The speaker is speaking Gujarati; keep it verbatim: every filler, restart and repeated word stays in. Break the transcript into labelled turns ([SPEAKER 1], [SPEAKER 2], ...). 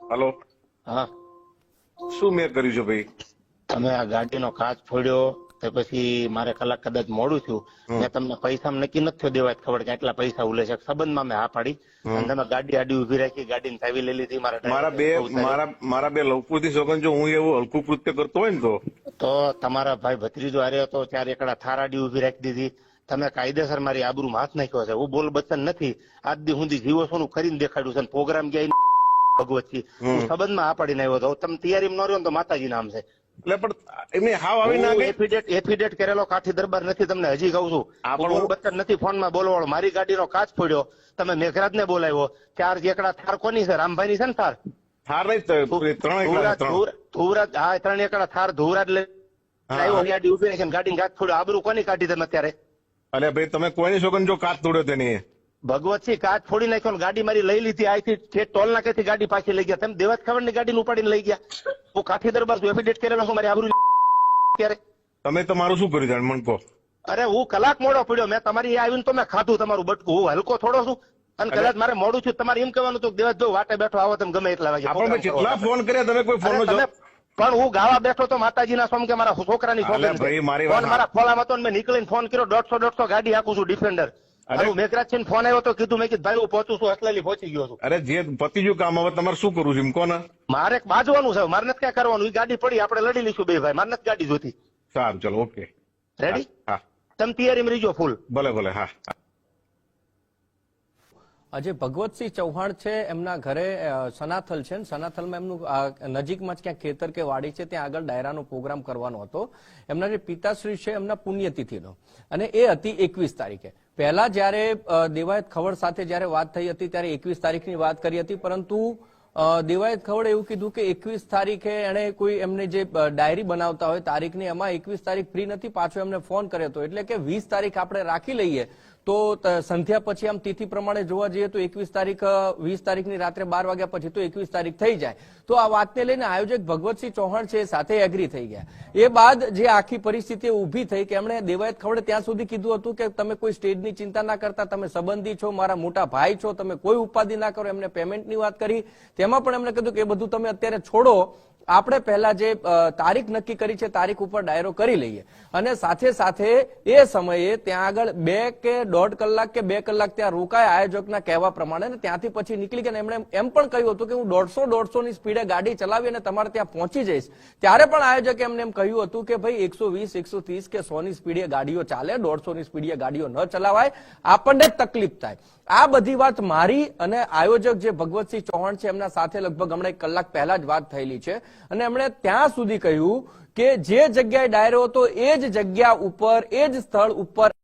[SPEAKER 1] હલો,
[SPEAKER 2] હા,
[SPEAKER 1] શું મેં કર્યું છે ભાઈ?
[SPEAKER 2] તમે આ ગાડીનો કાચ ફોડ્યો તો પછી મારે કલાક કદાચ મોડું થયું. મેં તમને પૈસા નક્કી નથી થયો દેવા ખબર કે આટલા પૈસા ઉલે છે સંબંધમાં મેં હા પાડી અને તમે ગાડી આડી ઉભી રાખી ગાડીની ચાવી લઈ લીધી.
[SPEAKER 1] મારા બે મારા મારા બે લવકુથી સોગન જો હું એવું હલકું કૃત્ય કરતો હોય ને તો
[SPEAKER 2] તો તમારા ભાઈ ભત્રીજો હારે હતો ત્યારે એકડા થાર આડી ઉભી રાખી દીધી. તમે કાયદેસર મારી આબરૂમાં હાથ નાખ્યો છે. હું બોલ બચન નથી. આજ દી સુધી જીવો સોનું કરીને દેખાડ્યું છે. પ્રોગ્રામ ગયા ભગવતજી હું સંબંધમાં આ પાડીને આવ્યો હતો. તમે તૈયારી ન રહ્યો તો માતાજી નામ છે.
[SPEAKER 1] એટલે પણ એમને હાવ આવી ના ગઈ.
[SPEAKER 2] એફિડેટ એફિડેટ કરેલો કાઠી દરબાર નથી. તમને હજી કહું છું બોલ બચન નથી. ફોનમાં બોલવાળો મારી ગાડીનો કાચ ફોડ્યો. તમે મેઘરાજ ને બોલાવ્યો. ચાર એકડા થાર કોની છે? રામભાઈ ની છે ને થાર?
[SPEAKER 1] થાર નહીં ત્રણ
[SPEAKER 2] ધુવરાજ. હા, ત્રણ એકડા થાર ધુવરાજ લઈ આવ્યો. ગાડી ઉભી રાખીને ગાડીને કાચ ફોડ્યો. આબરૂ કોની કાઢી તમે અત્યારે?
[SPEAKER 1] અરે ભાઈ તમે કોઈની સોગન જો કાચ તોડ્યો તેની
[SPEAKER 2] ભગવતસિંહ કાચ ફોડી નાખ્યો ને ગાડી મારી લઈ લીધી. આથી ટોલ નાકેથી ગાડી પાછી લઈ ગયા. તમે દેવાજ ખબર ની ગાડી ઉપાડીને લઈ ગયા. હું કાઠી દરબાર છું. એફિડેટ કરેલો છું મારી આબરૂ ત્યારે.
[SPEAKER 1] તમે તમારું શું કર્યું જાણ મને કહો.
[SPEAKER 2] અરે હું કલાક મોડો પડ્યો. મેં તમારી આવીને તો મેં ખાધું તમારું બટકું. હું હલકો થોડો છું અને કદાચ મારે મોડું છું. તમારે એમ કહેવાનું હતું દેવાજ જો વાટે બેઠો આવો તમે ગમે એટલા વાગે.
[SPEAKER 1] આપણે કેટલા ફોન કર્યા તમે કોઈ ફોન
[SPEAKER 2] પણ હું ગાવા બેઠો તો માતાજીના સોમ કે મારા છોકરાની ફોન મારા ખોલામાં હતો મેં નીકળીને ફોન કર્યો. દોઢસો દોઢસો ગાડી હાકું છું ડિફેન્ડર. મેઘરાજ છે ફોન આવ્યો તો કીધું મેં કીધું ભાઈ હું પહોંચું છું. અસલેલી પહોંચી ગયો છું.
[SPEAKER 1] અરે જે પતી ગયું કામ હવે તમારે શું કરવું છે એમ કોને?
[SPEAKER 2] મારે બાજવાનું છે. મારે નથી ક્યાં કરવાનું. એ ગાડી પડી આપણે લડી લઈશું બે ભાઈ. મારે નથી ગાડી જોતી.
[SPEAKER 1] સારું ચલો ઓકે
[SPEAKER 2] રેડી.
[SPEAKER 1] હા
[SPEAKER 2] તમે તૈયારીમાં રહીજો ફૂલ.
[SPEAKER 1] ભલે ભલે. હા
[SPEAKER 3] આજે ભગવતસિંહ ચૌહાણ છે એમના ઘરે સનાથલ છે. સનાથલમાં એમનું નજીકમાં જ ક્યાંક ખેતર કે વાડી છે ત્યાં આગળ ડાયરાનો પ્રોગ્રામ કરવાનો હતો. એમના જે પિતાશ્રી છે એમના પુણ્યતિથિનો અને એ હતી એકવીસ તારીખે. પહેલા જયારે દેવાયત ખવડ સાથે જયારે વાત થઈ હતી ત્યારે એકવીસ તારીખની વાત કરી હતી. પરંતુ દેવાયત ખવડે એવું કીધું કે એકવીસ તારીખે એને કોઈ એમને જે ડાયરી બનાવતા હોય તારીખની એમાં એકવીસ તારીખ ફ્રી નથી. પાછો એમને ફોન કર્યો હતો. એટલે કે વીસ તારીખ આપણે રાખી લઈએ તો સંધ્યા પછી આમ તિથિ પ્રમાણે જોવા જઈએ તો એકવીસ તારીખ વીસ તારીખની રાત્રે બાર વાગ્યા પછી તો એકવીસ તારીખ થઈ જાય. તો આ વાતને લઈને આયોજક ભગવતસિંહ ચૌહાણ છે સાથે એગ્રી થઈ ગયા. એ બાદ જે આખી પરિસ્થિતિ ઉભી થઈ કે એમણે દેવાયત ખવડે ત્યાં સુધી કીધું હતું કે તમે કોઈ સ્ટેજની ચિંતા ના કરતા, તમે સંબંધી છો, મારા મોટા ભાઈ છો, તમે કોઈ ઉપાધિ ના કરો. એમને પેમેન્ટની વાત કરી. તેમાં પણ એમણે કીધું કે એ બધું તમે અત્યારે છોડો. આપણે પહેલા જે તારીખ નક્કી કરી છે તારીખ ઉપર ડાયરો કરી લઈએ. અને સાથે સાથે એ સમયે ત્યાં આગળ બે કે દોઢ કલાક કે બે કલાક ત્યાં રોકાય આયોજકના કહેવા પ્રમાણે. ત્યાંથી પછી નીકળી ગયા. એમણે એમ પણ કહ્યું હતું કે હું દોઢસો દોઢસો ની સ્પીડે ગાડી ચલાવી અને તમારે ત્યાં પહોંચી જઈશ. ત્યારે પણ આયોજકે એમને એમ કહ્યું હતું કે ભાઈ એકસો વીસ એકસો ત્રીસ કે સો ની સ્પીડે ગાડીઓ ચાલે, દોઢસો ની સ્પીડે ગાડીઓ ન ચલાવાય, આપણને તકલીફ થાય. આ બધી વાત મારી અને આયોજક જે ભગવતસિંહ ચૌહાણ છે એમના સાથે લગભગ હમણાં એક કલાક પહેલા જ વાત થયેલી છે. અને એમણે ત્યાં સુધી કહ્યું કે જે જગ્યાએ ડાયરો હતો એ જ જગ્યા ઉપર એ જ સ્થળ ઉપર